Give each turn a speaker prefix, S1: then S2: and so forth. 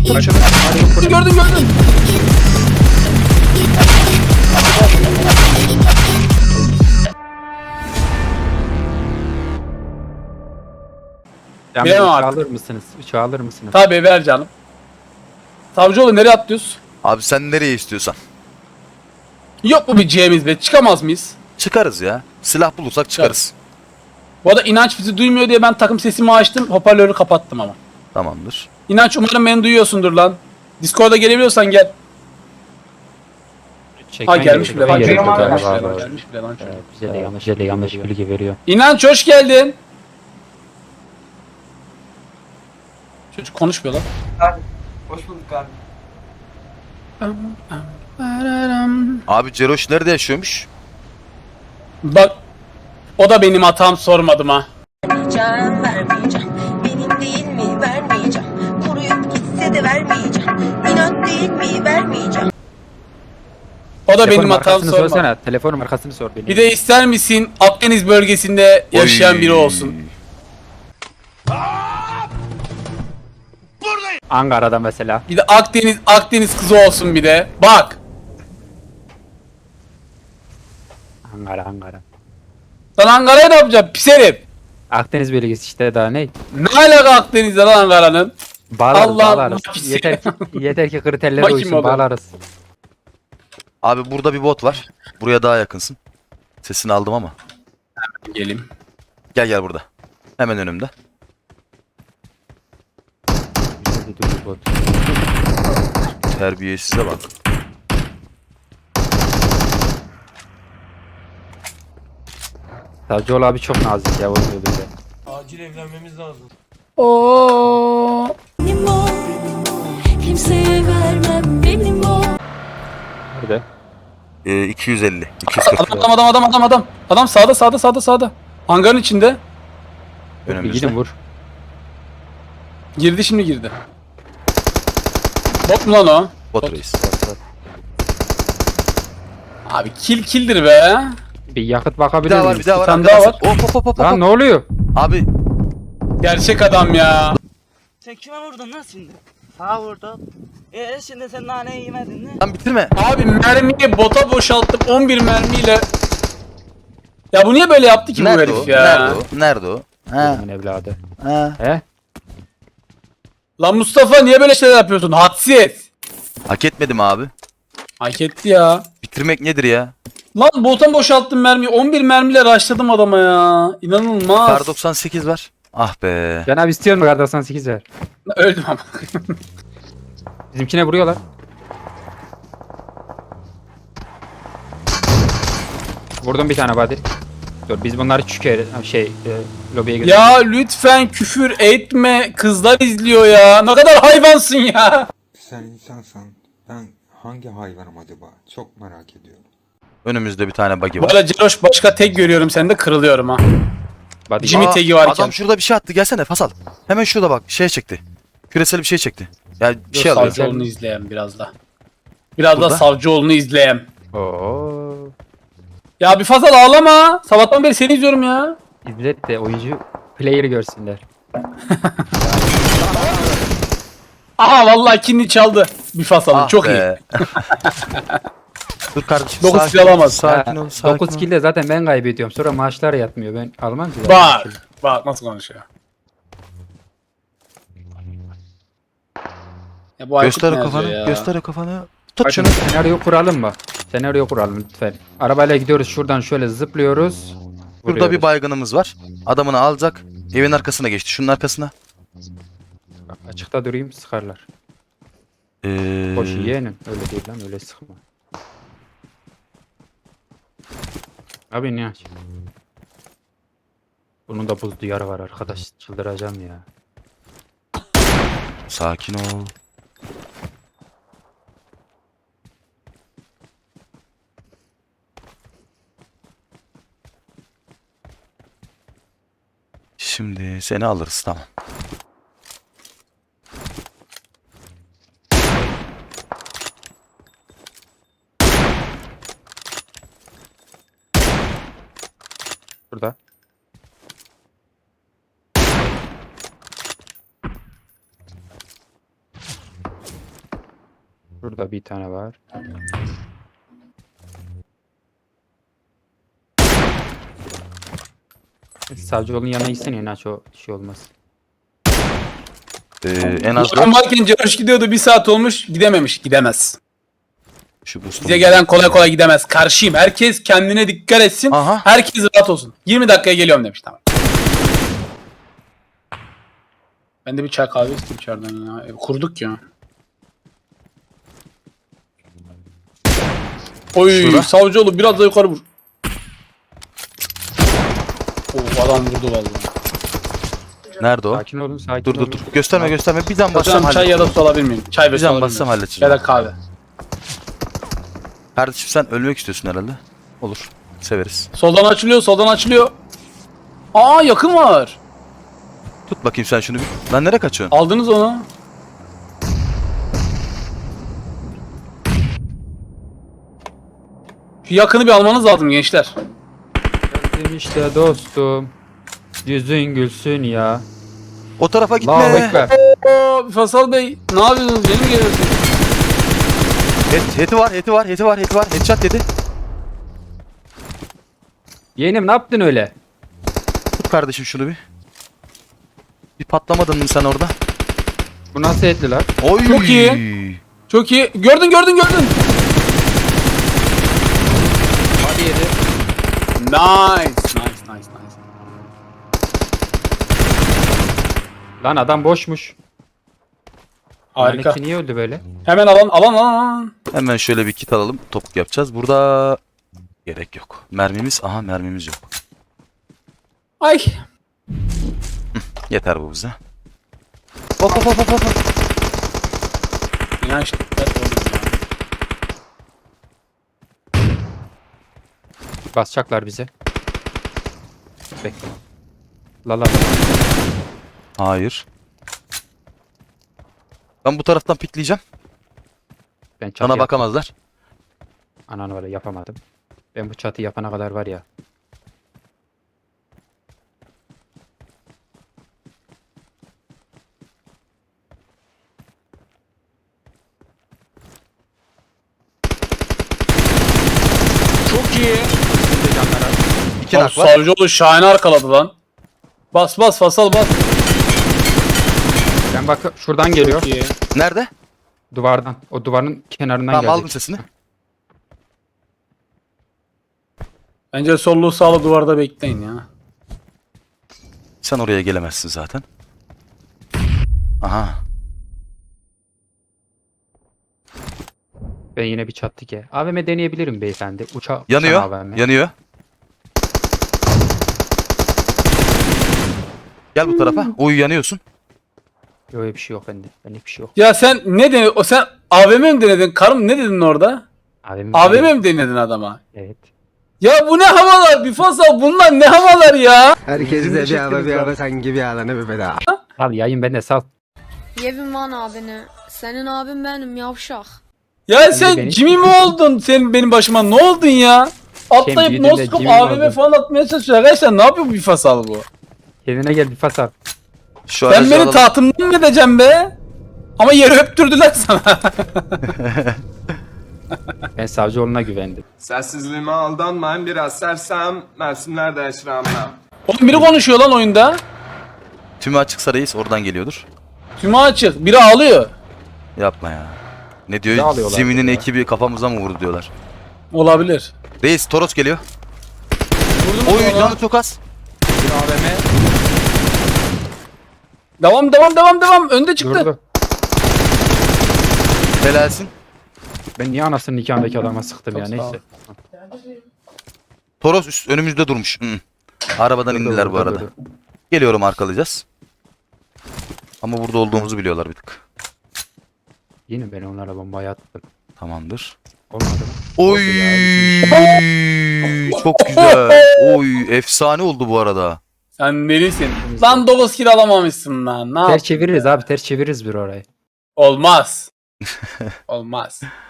S1: Tut şunu. Gördün. Bilemem
S2: Uçağı
S1: artık.
S2: alır mısınız? Uçağı alır mısınız?
S1: Tabii ver canım. Savcıoğlu nereye atlıyoruz?
S3: Abi sen nereye istiyorsan.
S1: Yok mu bir C'miz be? Çıkamaz mıyız?
S3: Çıkarız ya. Silah bulursak çıkarız.
S1: Bu arada İnanç bizi duymuyor diye ben takım sesimi açtım. Hoparlörü kapattım ama.
S3: Tamamdır.
S1: İnanç umarım beni duyuyorsundur lan. Discord'a gelebiliyorsan gel.
S2: Çeken
S1: Ha gelmiş bile lan.
S2: gerekiyor
S1: Gelmiş
S2: galiba.
S1: bile lan. Gelmiş bile lan.
S2: Evet, bize de yanlış bilgi veriyor.
S1: İnanç hoş geldin. Çocuk konuşmuyor lan.
S4: Abi, hoş bulduk abi.
S3: Abi Ceroş nerede yaşıyormuş?
S1: Bak o da benim hatam sormadım ha.
S5: Vermeyeceğim. Benim değil mi? Vermeyeceğim. Kuruyup gitse de vermeyeceğim. İnat değil mi? Vermeyeceğim.
S1: O da
S2: Telefonun
S1: benim hatam
S2: markasını
S1: sormadı.
S2: sorsana. Telefonun markasını sor benim.
S1: Bir de ister misin Akdeniz bölgesinde yaşayan
S3: Oy.
S1: biri olsun?
S2: Ankara'da mesela.
S1: Bir de Akdeniz kızı olsun bir de. Bak.
S2: Ankara.
S1: Lan Ankara'ya ne yapacaksın pis herif?
S2: Akdeniz bölgesi işte daha ne?
S1: Ne alaka Akdeniz'de lan Ankara'nın?
S2: Bağlarız.
S1: Allah
S2: Yeter ki kriterlere
S1: Bakayım
S2: uysun
S1: oğlum.
S2: bağlarız.
S3: Abi burada bir bot var. Buraya daha yakınsın. Sesini aldım ama.
S1: Gelim.
S3: Gel burada. Hemen önümde. Terbiyesize bak.
S2: Savcıoğlu abi çok nazik ya oluyor bize.
S4: Acil evlenmemiz lazım.
S1: Oo.
S5: Benim o. Kimseye vermem benim o.
S2: Nerede?
S3: 250. 240.
S1: Adam sağda. Hangarın içinde.
S2: Bir
S3: Önümüzde.
S2: gidin vur.
S1: Girdi girdi. Bot mu lan o?
S3: Bot reis.
S1: Abi killdir be.
S2: Bir yakıt
S3: Bir
S2: bakabilir
S3: daha var,
S2: miyiz?
S3: bir daha var.
S1: tane daha
S3: arkadaşlar. Hop.
S2: Lan ne oluyor?
S3: Abi
S1: Gerçek adam ya.
S6: Sen kime vurdun lan şimdi? Sağa vurdum. Şimdi sen naneyi yemedin mi?
S3: lan bitirme.
S1: Abi mermiyi bota boşalttım 11 mermiyle. Ya bu niye böyle yaptı ki bu
S3: Nerede o?
S1: herif ya?
S3: Nerede o? Ha.
S2: Adamın evladı.
S3: Ha.
S2: He?
S1: Lan Mustafa niye böyle şeyler yapıyorsun? Hadsiz.
S3: Hak etmedim abi.
S1: Hak etti ya.
S3: Bitirmek nedir ya?
S1: Lan bota boşalttım mermiyi. 11 mermiyle rushladım adama ya. İnanılmaz.
S3: Kar 98 var. Ah be.
S2: Can abi istiyor mu kar 98 ver?
S1: Öldüm ama.
S2: Bizimkine vuruyorlar. Vurdum bir tane body. Dur biz bunları lobiye gidelim.
S1: Ya lütfen küfür etme. Kızlar izliyor ya. Ne kadar hayvansın ya.
S7: Sen insansan ben hangi hayvanım acaba? Çok merak ediyorum.
S3: Önümüzde bir tane buggy
S1: Bu
S3: var.
S1: arada Ceroş başka tek görüyorum. Sende kırılıyorum ha.
S2: Body.
S1: Jimmy
S3: Aa,
S1: tagi varken.
S3: Adam şurada bir şey attı. Gelsene Fasal. Hemen şurada bak. Şey çekti. Küresel bir şey çekti. Ya bir şey alıyor.
S1: Savcıoğlu'nu izleyen biraz da. Biraz da
S3: Burada.
S1: Savcıoğlu'nu izleyen.
S2: Oo.
S1: Ya bir fazla ağlama. Sabahtan beri seni izliyorum ya.
S2: İzlet de oyuncu player'ı görsünler.
S1: Aha vallahi kinli çaldı. Bir fasalın
S3: Ah
S1: çok iyi.
S3: be. Dur kardeşim.
S1: Dokuz
S3: sakin
S1: kill
S3: ol,
S1: alamaz.
S3: Sakin ol. Sakin
S2: 9
S3: ol.
S2: kill'de zaten ben kaybediyorum. Sonra maaşlar yatmıyor. Ben almam ki.
S1: Bak nasıl konuşuyor. Ya bu
S3: Göster o
S1: Aykut ne
S3: kafanı.
S1: yazıyor ya?
S3: Göster o kafanı. Tut
S2: Bakın
S3: şunu.
S2: senaryo kuralım mı? Senaryo kuralım lütfen. Arabayla gidiyoruz şuradan şöyle zıplıyoruz.
S3: Burada
S2: vuruyoruz.
S3: bir baygınımız var. Adamını alacak. Evin arkasına geçti. Şunun arkasına.
S2: Bak, açıkta durayım sıkarlar. Boş yeğenim. Öyle değil lan öyle sıkma. Abi ne aç? Bunun da buz diyarı var arkadaş. Çıldıracağım ya.
S3: Sakin ol. Şimdi seni alırız, tamam.
S2: Burada. Burada bir tane var. Savcıoğlu'nun yanına gitsene inaç o şey olmaz.
S3: En az
S1: Ulan
S3: 4.
S1: varken Ceroş gidiyordu, 1 saat olmuş gidememiş, gidemez.
S3: Şu boost'u.
S1: Bize gelen kolay kolay gidemez. Karşıyım. Herkes kendine dikkat etsin.
S3: Aha.
S1: Herkes rahat olsun. 20 dakikaya geliyorum demiş, tamam. Ben de bir çay kahve isteyeyim içeriden ya. Kurduk ya. Oy,
S3: Şurada.
S1: Savcıoğlu biraz da yukarı vur. Oo, adam vurdu vallahi.
S3: Nerede o?
S2: Sakin olun sakin
S3: Dur dur
S2: olun.
S3: dur. Gösterme gösterme. Bir can bassam
S1: Hocam çay ya da su alabilir miyim? Çay ve
S3: Bir
S1: su
S3: can
S1: alabilir
S3: bassam
S1: miyim?
S3: halledeceğim.
S1: Ya da kahve.
S3: Kardeşim sen ölmek istiyorsun herhalde. Olur. Severiz.
S1: Soldan açılıyor, soldan açılıyor. Aa, yakın var.
S3: Tut bakayım sen şunu bir. Lan nereye kaçıyorsun?
S1: Aldınız onu. Şu yakını bir almanız lazım gençler.
S2: Geldim işte dostum. Yüzün gülsün ya.
S3: O tarafa
S2: Allahu
S3: gitme.
S2: Ekber.
S1: Oo, Fasal Bey, ne yapıyorsunuz? Beni mi geliyorsunuz?
S3: Heti var, heti var, heti var, heti var. Headshot dedi.
S2: Yeğenim ne yaptın öyle?
S3: Tut kardeşim şunu bir. Bir patlamadın mı sen orada?
S2: Bu nasıl etli lan?
S3: Oy.
S1: Çok iyi. Çok iyi. Gördün.
S2: Hadi yedi.
S1: Nice.
S2: Lan adam boşmuş.
S1: Harika.
S2: Lanetçi niye öldü böyle?
S1: Hemen alan.
S3: Hemen şöyle bir kit alalım. Topuk yapacağız. Burada gerek yok. Mermimiz, aha mermimiz yok.
S1: Ay.
S3: Yeter bu bize. Hop.
S1: İnanç dikkat olun ya.
S2: Basacaklar bize. Bekle. La.
S3: Hayır. Ben bu taraftan pikleyeceğim.
S2: Ben çatı
S3: Sana
S2: yap-
S3: bakamazlar.
S2: Ananı var ya, yapamadım. Ben bu çatı yapana kadar var ya.
S1: Çok iyi.
S2: Şimdi canlar az.
S3: İki
S1: Abi,
S3: nak var.
S1: Savcıoğlu şahane arkaladı lan. Bas Fasal bas.
S2: Ben bak şuradan geliyor.
S1: Çok iyi.
S3: Nerede?
S2: Duvardan. O duvarın kenarından
S3: Tamam
S2: gelecek.
S3: aldım sesini.
S1: Bence sollu sağlı duvarda bekleyin ya.
S3: Sen oraya gelemezsin zaten. Aha.
S2: Ben yine bir çat dike. AVM deneyebilirim beyefendi. Uçan
S3: Yanıyor.
S2: AVM.
S3: Yanıyor. Gel bu tarafa. Oy yanıyorsun.
S2: Yok öyle bir şey yok bende. Bende bir şey yok.
S1: Ya sen ne denedin? Sen AVM mi denedin? Karım ne dedin orada?
S2: AVM,
S1: AVM mi denedin adama?
S2: Evet.
S1: Ya bu ne havalar? Bir Fasal, bunlar ne havalar ya?
S8: Herkes de bir ara sanki bir ara ne bir bedava.
S2: Al yayın bende sal.
S9: Yevim lan abini. Senin abin benim yavşak.
S1: Ya sen
S2: beni-
S1: Jimmy mi oldun? Sen benim başıma ne oldun ya? Atlayıp
S2: büyüdün de
S1: noskop
S2: Jimmy mi
S1: AVM
S2: oldun?
S1: falan atmaya çalışıyor. Arkadaşlar ne yapıyor bu bir Fasal bu?
S2: Kendine gel bir fas al.
S3: Şu
S1: Sen
S3: aracı
S1: beni
S3: alalım.
S1: tahtımdan mı edeceksin be? Ama yeri öptürdüler sana.
S2: Ben savcıoğluna güvendim.
S10: Sessizliğime aldanmayın, biraz sersem mevsimler değişir ama.
S1: Oğlum biri konuşuyor lan oyunda.
S3: Tümü açıksa reis oradan geliyordur.
S1: Tümü açık. Biri ağlıyor.
S3: Yapma ya. Ne
S2: Ne
S3: diyor?
S2: alıyorlar
S3: Zemin'in
S2: ya?
S3: ekibi kafamıza mı vurdu diyorlar.
S1: Olabilir.
S3: Reis Toros geliyor.
S1: Vurdun mu
S3: Oy
S1: ona?
S3: canı çok az.
S2: Bir AVM
S1: Devam. Önde çıktı.
S2: durdu.
S3: Helalsin.
S2: Ben niye anasının nikahındaki adama sıktım
S1: Çok
S2: ya
S1: sağ ol.
S2: neyse.
S3: Toros önümüzde durmuş. Hı. Arabadan indiler bu arada. Geliyorum arkalayacağız. Ama burada olduğumuzu biliyorlar bir tık.
S2: Yine ben onlara bombayı attım.
S3: Tamamdır.
S2: Olmadı mı?
S3: Oy
S2: Oldu ya, bizim iş.
S3: çok güzel. Oy efsane oldu bu arada.
S1: Sen delisin. Lan 9 kill alamamışsın lan. Ne
S2: Ters
S1: yap?
S2: çeviririz abi, ters çeviririz bir orayı.
S1: Olmaz. Olmaz.